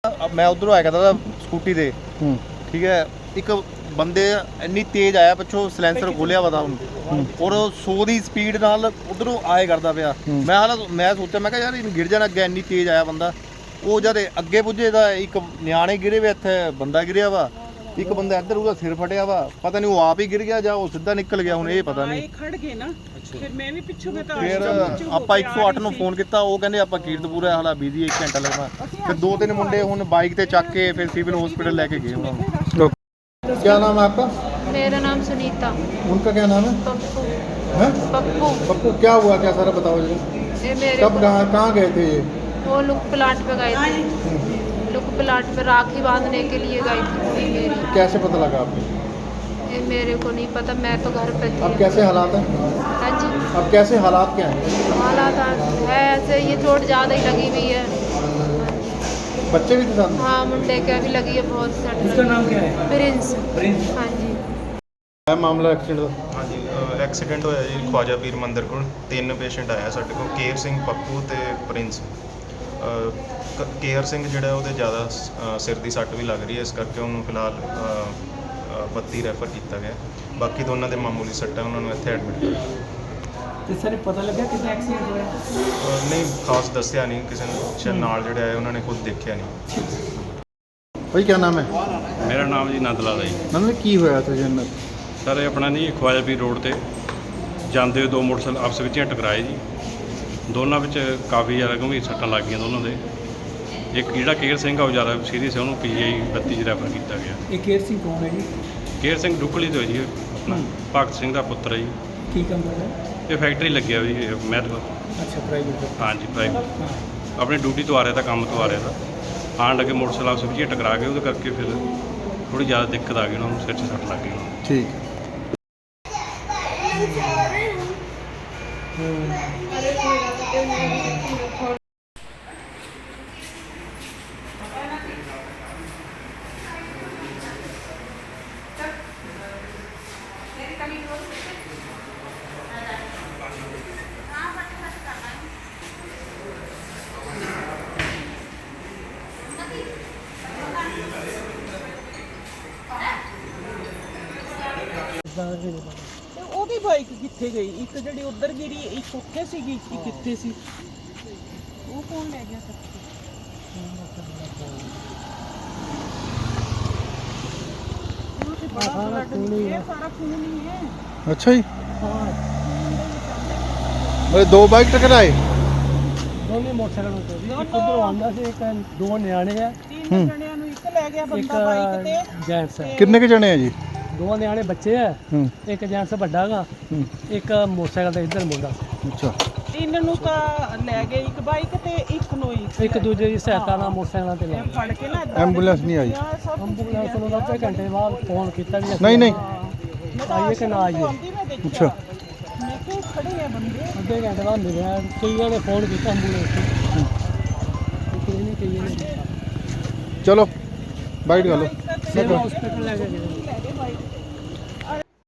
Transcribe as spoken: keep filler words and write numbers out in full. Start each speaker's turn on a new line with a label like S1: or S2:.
S1: मैं उधरों आया करता था स्कूटी से, ठीक है। एक बंदे इन्नी तेज आया पिछों सिलेंसर खोलिया पता उन्होंने और सौ की स्पीड नाल उधरों आए करता पाया। मैं हाल मैं सोचा मैं यार गिर जाना अगे, इन्नी तेज आया बंदा। वो जद अगे पुजे तो एक न्याणे गिरे वे, इत्थे बंदा गिरिया वा, एक बंदा इधर उसका सिर फटिया वा, पता नहीं वो आप ही गिर गया या वो सीधा निकल गया, हुण ये पता नहीं।
S2: खड़ गए ना फिर मैं भी पिछों मैं तो
S1: फिर ਆਪਾਂ एक सौ आठ ਨੂੰ ਫੋਨ ਕੀਤਾ, ਉਹ ਕਹਿੰਦੇ ਆਪਾਂ ਕੀਰਤਪੁਰ ਹਾਲਾ ਬਿਜ਼ੀ एक घंटा लगना। फिर दो तीन मुंडे ਹੁਣ ਬਾਈਕ ਤੇ ਚੱਕ ਕੇ ਫਿਰ ਸਿਵਲ हॉस्पिटल लेके गए ਉਹਨਾਂ ਨੂੰ।
S3: क्या नाम है आपका?
S4: मेरा नाम सुनीता।
S3: उनका क्या नाम है?
S4: पप्पू।
S3: हैं?
S4: पप्पू।
S3: पप्पू क्या हुआ, क्या सारा बताओ जी।
S4: ये मेरे
S3: कब कहाँ कहाँ गए थे ये?
S4: वो लुक प्लाट पे गए थे, लुक प्लाट पे राखी बांधने के लिए गई थी कुड़ी मेरी।
S3: कैसे पता लगा आपको?
S4: ये मेरे को नहीं पता, मैं तो घर पे थी।
S3: अब कैसे हालात हैं?
S4: हाँ जी,
S3: अब कैसे हालात क्या हैं?
S4: हालात है ऐसे, ये चोट ज़्यादा ही लगी हुई है।
S3: बच्चे भी थे साथ में?
S4: हाँ, मुंडे क्या भी लगी है बहुत सट।
S5: उसका नाम क्या है?
S4: प्रिंस। हाँ जी।
S3: क्या मामला एक्सीडेंट ਦਾ?
S6: ਹਾਂਜੀ ਐਕਸੀਡੈਂਟ ਹੋਇਆ ਜੀ ਖਵਾਜਾ ਪੀਰ ਮੰਦਿਰ ਕੋਲ। ਤਿੰਨ ਪੇਸ਼ੈਂਟ ਆਇਆ ਸਾਡੇ ਕੋਲ, ਕੇਰ ਸਿੰਘ, ਪੱਪੂ ਤੇ ਪ੍ਰਿੰਸ। ਅ, ਕ- ਕੇਰ ਸਿੰਘ ਜਿਹੜਾ ਉਹਦੇ ਜ਼ਿਆਦਾ ਸ- ਸਿਰ ਦੀ ਸੱਟ ਵੀ ਲੱਗ ਰਹੀ ਹੈ, ਇਸ ਕਰਕੇ ਉਹਨੂੰ ਫਿਲਹਾਲ ਅ, ਅ, ਬੱਤੀ ਰੈਫਰ ਕੀਤਾ ਗਿਆ। ਬਾਕੀ ਦੋਨਾਂ ਦੇ ਮਾਮੂਲੀ ਸੱਟਾਂ, ਉਹਨਾਂ ਨੂੰ ਇੱਥੇ ਐਡਮਿਟ ਕੀਤਾ।
S5: ਤੇ ਸਾਰੇ ਪਤਾ ਲੱਗਾ ਕਿੰਨਾ ਐਕਸੀਡੈਂਟ ਹੋਇਆ?
S6: ਅ, ਨਹੀਂ ਖਾਸ ਦੱਸਿਆ ਨਹੀਂ ਕਿਸੇ ਨੇ, ਸ਼ਾਇਦ ਨਾਲ ਜਿਹੜੇ ਆਏ ਉਹਨਾਂ ਨੇ ਖੁਦ ਦੇਖਿਆ ਨਹੀਂ।
S3: भाई क्या नाम है?
S7: ਮੇਰਾ ਨਾਮ ਜੀ ਨੰਦ ਲਾਲ ਹੈ ਜੀ।
S3: नंद की होया था जन्नत?
S7: ਸਰ ਇਹ ਆਪਣਾ ਨਹੀਂ ਖਵਾਜਾ ਪੀਰ ਰੋਡ ਤੇ ਜਾਂਦੇ ਹੋਏ ਦੋ ਮੋਟਰਸਾਈਕਲ ਆਪਸ ਵਿੱਚ ਹੀ ਟਕਰਾਏ ਜੀ। ਦੋਨਾਂ ਵਿੱਚ ਕਾਫੀ ਜ਼ਿਆਦਾ ਗੰਭੀਰ ਸੱਟਾਂ ਲੱਗ ਗਈਆਂ ਦੋਨਾਂ ਦੇ। ਇੱਕ ਜਿਹੜਾ ਕੇਰ ਸਿੰਘ ਆ ਉਹ ਜ਼ਿਆਦਾ ਸੀਰੀਅਸ ਹੈ, ਉਹਨੂੰ ਪੀਜੀਆਈ ਬੱਤੀ 'ਚ ਰੈਫਰ ਕੀਤਾ ਗਿਆ।
S5: ਇਹ ਕੇਰ ਸਿੰਘ ਕੌਣ ਹੈ ਜੀ?
S7: ਕੇਰ ਸਿੰਘ ਡੁੱਕਲੀ ਤੋਂ ਹੈ ਜੀ, ਆਪਣਾ ਭਗਤ ਸਿੰਘ ਦਾ ਪੁੱਤਰ ਹੈ ਜੀ।
S5: ਕੀ ਕੰਮ ਕਰਦਾ?
S7: ਇਹ ਫੈਕਟਰੀ ਲੱਗਿਆ ਜੀ ਮਹਿਲ।
S5: ਅੱਛਾ, ਪ੍ਰਾਈਵੇਟ।
S7: ਹਾਂਜੀ ਪ੍ਰਾਈਵੇਟ, ਆਪਣੀ ਡਿਊਟੀ ਤੋਂ ਆ ਰਿਹਾ ਤਾਂ ਕੰਮ ਤੋਂ ਆ ਰਿਹਾ ਤਾਂ ਆਉਣ ਲੱਗੇ ਮੋਟਰਸਾਈਕਲ ਆਪਸ ਵਿੱਚ ਹੀ ਟਕਰਾ ਗਏ, ਉਹਦੇ ਕਰਕੇ ਫਿਰ ਥੋੜ੍ਹੀ ਜ਼ਿਆਦਾ ਦਿੱਕਤ ਆ ਗਈ ਉਹਨਾਂ ਨੂੰ, ਸਿਰ 'ਚ ਸੱਟ ਲੱਗ ਗਈ ਉਹਨਾਂ ਨੂੰ।
S3: ठीक
S2: ਤੇ ਉਹਦੀ ਬਾਈਕ ਕਿੱਥੇ ਗਈ? ਇੱਕ ਜਿਹੜੀ ਉੱਧਰ ਗਿਰੀ, ਇੱਕ ਉੱਥੇ ਸੀਗੀ, ਇੱਕ ਕਿੱਥੇ ਸੀ? ਉਹ ਕੌਣ ਲੈ ਗਿਆ ਸਭ? ਸਾਰਾ ਖੂਨ ਹੀ ਹੈ, ਸਾਰਾ ਖੂਨ ही है।
S3: अच्छा जी। अरे दो बाइक टकराए?
S5: ਦੋਨੇ ਮੋਟਰਸਾਈਕਲ ਉੱਤੇ ਸੀ, ਇੱਕ ਉਧਰੋਂ ਆਉਂਦਾ ਸੀ, ਇੱਕ ਦੋ ਨਿਆਣੇ ਆ,
S2: ਤਿੰਨ ਜਣਿਆਂ ਨੂੰ ਇੱਕ ਲੈ ਗਿਆ
S5: ਇੱਕ
S2: ਬੰਦਾ ਬਾਈਕ ਤੇ।
S5: ਜੈਂਟਸ ਹੈ।
S3: कितने के जने हैं जी?
S5: ਦੋ ਨਿਆਣੇ ਬੱਚੇ ਆ,
S3: हम्म,
S5: ਇੱਕ ਜੈਂਟਸ ਵੱਡਾ ਗਾ, ਇੱਕ ਮੋਟਰਸਾਈਕਲ ਤੇ ਇੱਧਰ ਮੁੰਡਾ।
S3: अच्छा।
S2: ਤਿੰਨ ਨੂੰ ਤਾਂ ਲੈ ਗਏ, ਇੱਕ ਬਾਈਕ ਤੇ ਇੱਕ ਨੂੰ ਹੀ
S5: ਇੱਕ ਦੂਜੇ ਦੀ ਸਹਾਇਤਾ ਨਾਲ ਮੋਟਰਸਾਈਕਲਾਂ ਤੇ ਲੈ
S2: ਇਹ ਫੜ ਕੇ ਨਾ ਏਦਾਂ
S3: एम्बुलेंस नहीं आई?
S5: ਐਂਬੂਲੈਂਸ ਨੂੰ ਤਾਂ ਅੱਧੇ ਘੰਟੇ ਬਾਅਦ ਫੋਨ ਕੀਤਾ ਵੀ
S3: नहीं नहीं।
S2: ਮੈਂ ਤਾਂ
S5: ਆਈਏ ਕਿ ਨਾ ਆਈਏ।
S2: ਆਉਂਦੀ ਮੈਂ ਦੇਖਿਆ।
S3: अच्छा।
S2: ਮੈਂ ਕਿਹਾ ਖੜੇ ਆ ਬੰਦੇ।
S5: ਅੱਧੇ ਘੰਟੇ ਬਾਅਦ ਮਿਲਿਆ, ਕਈਆਂ ਨੇ ਫੋਨ ਕੀਤਾ ਐਂਬੂਲੈਂਸ ਨੂੰ, ਕਈਆਂ ਨੇ ਕਈਆਂ ਨੇ ਕੀਤਾ।
S3: चलो बाइट कर लो।
S5: ਸਿਵਲ ਹਸਪੀਟਲ ਲੈ ਕੇ ਗਏ।
S2: ਲੈ ਗਏ ਬਾਈਕ ਤੇ।